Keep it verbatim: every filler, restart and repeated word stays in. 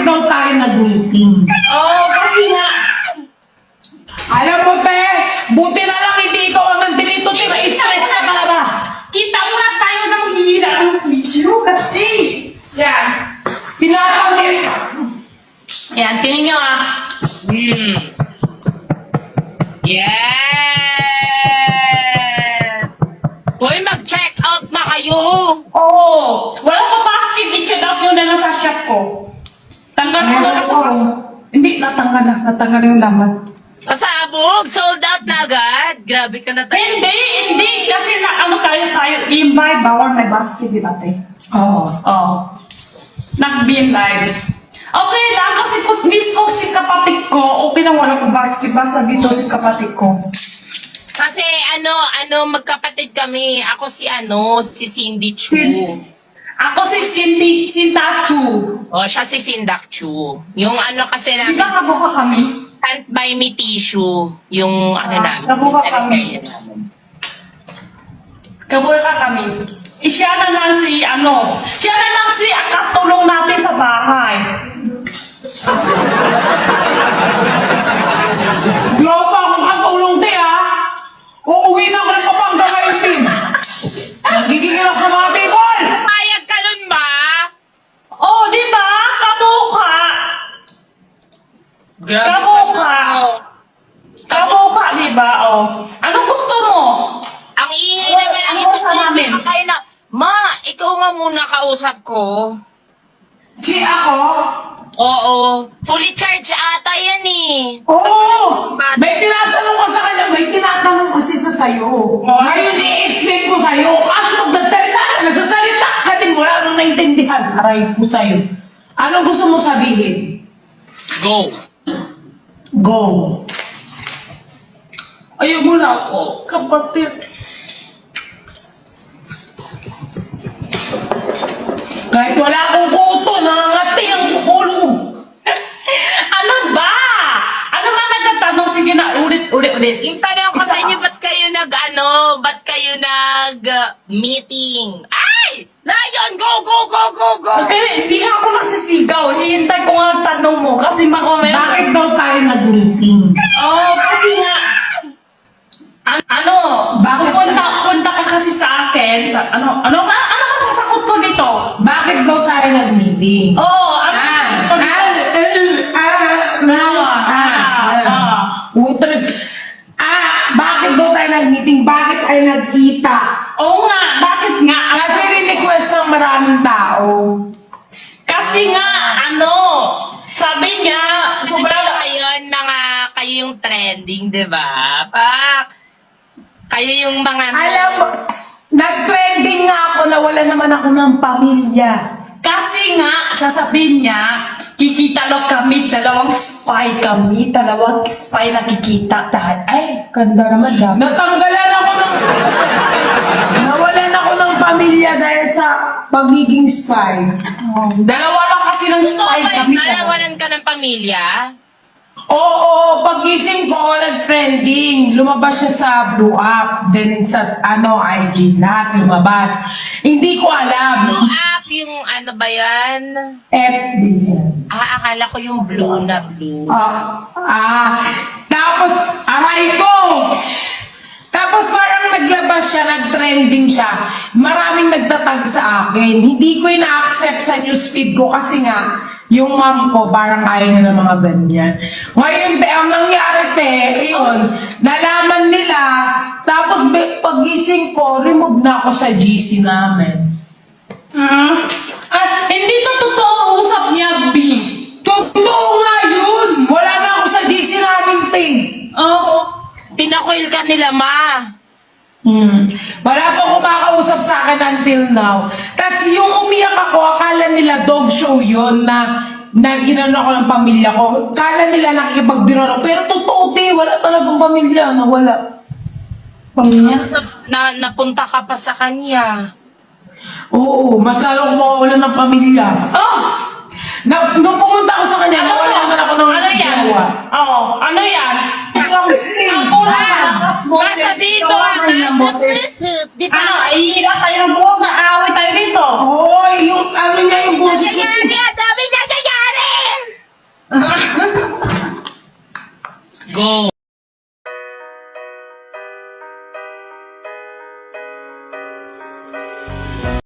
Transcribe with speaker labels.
Speaker 1: daw tayo nag-meeting?
Speaker 2: Oo, oh, kasi nga.
Speaker 1: Alam mo, pe, buti na lang hindi ikaw ang nandito. Stress ka talaga.
Speaker 2: Kita mo na tayo ng hihira ng video kasi. Yan.
Speaker 1: Tinatawag.
Speaker 2: Yan, tingin nyo ah.
Speaker 3: Hmm. Yes! Hoy, mag-check out na kayo!
Speaker 2: Oo. Oh, wala ko basket. I-check out nyo na lang sa shop ko. Tanggal ko na kasi. Hindi, natanggal na. Natanggal yung laman.
Speaker 3: Pasabog! Sold out na agad! Grabe ka na tayo.
Speaker 2: Hindi, hindi. Kasi na ano tayo tayo. I-buy, bawal may basket din natin.
Speaker 1: Oo.
Speaker 2: Oo. Nag-beam live. Okay lang kasi kung miss ko si kapatid ko, okay lang wala ko basket. Basta dito si kapatid ko.
Speaker 3: Kasi ano, ano, magkapatid kami. Ako si ano, si Cindy Chu.
Speaker 2: Ako si Cindy, si Tachu.
Speaker 3: O, siya si Sindak Chu. Yung ano kasi
Speaker 2: Di
Speaker 3: namin,
Speaker 2: ba kabuka kami?
Speaker 3: can't buy me tissue. Yung ano
Speaker 2: Ah,
Speaker 3: namin.
Speaker 2: kabuka
Speaker 3: yung
Speaker 2: kami.
Speaker 3: talagay namin.
Speaker 2: Kabuka kami. Eh, siya na lang si ano, siya na lang si katulong natin sa bahay.
Speaker 1: Grabe akong katulong, te, ha? Uuwi na ako ng Pampanga ngayon, din. Nagigigil ako sa mga people.
Speaker 3: Payag ka nun ba?
Speaker 2: Oh, di ba? Kabuka.
Speaker 3: Grabe
Speaker 2: Kabuka. Kabuka, di ba? Oh. Anong gusto mo?
Speaker 3: Ang ingay
Speaker 2: Ano-
Speaker 3: naman ang
Speaker 2: ano
Speaker 3: ito
Speaker 2: sa namin?
Speaker 3: Kayo na, ma, ikaw nga muna kausap ko.
Speaker 1: Si ako?
Speaker 3: Oo, fully charged ata yan eh.
Speaker 1: Oo! May tinatanong ko sa kanya, may tinatanong kasi siya sa'yo. Ngayon, i-explain ko sa'yo. Kaso nagsasalita ka, nagsasalita ka din, wala nang naintindihan. Aray ko sa'yo. Anong gusto mo sabihin?
Speaker 3: Go.
Speaker 1: Go.
Speaker 2: Ayaw mo na ako, kapatid.
Speaker 1: Kahit wala akong kuto, nangangati ang ulo.
Speaker 2: Ano ba? Ano ba nagtatanong? Sige na, ulit, ulit, ulit.
Speaker 3: Yung tanong ko sa inyo, ba't kayo nag, ano, ba't kayo nag, uh, meeting? Ay! Lion, go, go, go, go, go!
Speaker 2: Okay, hindi nga ako nagsisigaw. Hihintay ko nga ang tanong mo kasi makomment.
Speaker 1: Bakit daw tayo nag-meeting?
Speaker 2: Oh, kasi nga, an- ano,
Speaker 1: Bakit?
Speaker 2: Punta, punta ka kasi sa akin. Sa, ano, ano ba? Ano ba sasagot ko dito?
Speaker 1: Bakit daw tayo nag-meeting?
Speaker 2: Oh, ano
Speaker 1: Ah,
Speaker 2: sasagot ko dito?
Speaker 1: ah, ah, ah, ah, ah. Utol. Ah, bakit daw tayo nag-meeting? Bakit tayo nagkita?
Speaker 2: Oo nga, bakit nga?
Speaker 1: Kasi rin-request ng maraming tao.
Speaker 2: Kasi nga, ano, sabi niya,
Speaker 3: Ano
Speaker 2: sobrang...
Speaker 3: kayo ngayon, mga, kayo yung trending, di ba? Pak, kayo yung mga...
Speaker 1: Alam mo, nag-trending nga ako na wala naman ako ng pamilya.
Speaker 2: Kasi nga, sasabihin niya, kikita lang kami, dalawang spy kami, dalawang spy na kikita. Dahil, ay, ganda naman dapat.
Speaker 1: Natanggalan ako ng... Nawalan ako ng pamilya dahil sa pagiging spy.
Speaker 2: Oh, dalawa lang kasi ng
Speaker 3: Gusto
Speaker 2: spy
Speaker 3: ko ba
Speaker 2: kami.
Speaker 3: yung nalawanan ka ng pamilya?
Speaker 1: Oo, pagising ko, nag-trending. Lumabas siya sa Blue App, then sa ano, I G, lahat lumabas. Hindi ko alam.
Speaker 3: Blue app, yung ano ba yan?
Speaker 1: F B yan.
Speaker 3: Ah, akala ko yung blue na blue.
Speaker 1: Ah, ah, tapos, aray ko! Tapos parang naglabas siya, nag-trending siya. Maraming nagtatag sa akin. Hindi ko ina-accept sa newsfeed ko kasi nga, yung mom ko parang ayaw na ng mga ganyan. Ngayon, te, ang nangyari, te, yun, nalaman nila, tapos be- pagising ko, remove na ako sa G C namin.
Speaker 2: Ah, at hindi to totoo usap niya, B.
Speaker 1: Totoo nga yun! Wala na ako sa G C namin, te.
Speaker 2: Oh,
Speaker 3: Tinakoil ka nila, ma.
Speaker 1: Hmm. Wala pong kumakausap sa akin until now. Tapos yung umiyak ako, akala nila dog show yun na na ginano ako ng pamilya ko. Akala nila nakikipagbiro ako. Pero totoo, te, wala talagang pamilya na wala. Pamilya?
Speaker 3: Na, na, napunta ka pa sa kanya.
Speaker 1: Oo, mas lalo akong mawawalan ng pamilya.
Speaker 2: oh,
Speaker 1: Na, nung pumunta ako sa kanya,
Speaker 2: ano
Speaker 1: nawala
Speaker 2: to?
Speaker 1: naman ako ng
Speaker 2: Ano yan?
Speaker 1: jowa.
Speaker 2: Oh, ano yan?
Speaker 1: Ang sting.
Speaker 2: Ang kulay ng boses.
Speaker 3: Nasa dito,
Speaker 2: Tawagan ng boses.
Speaker 3: di ba?
Speaker 2: Ano, ihira tayo ng buwag, na-away tayo dito.
Speaker 1: Oo, yung ano niya, yung boses.
Speaker 3: Ganyan, ganyan,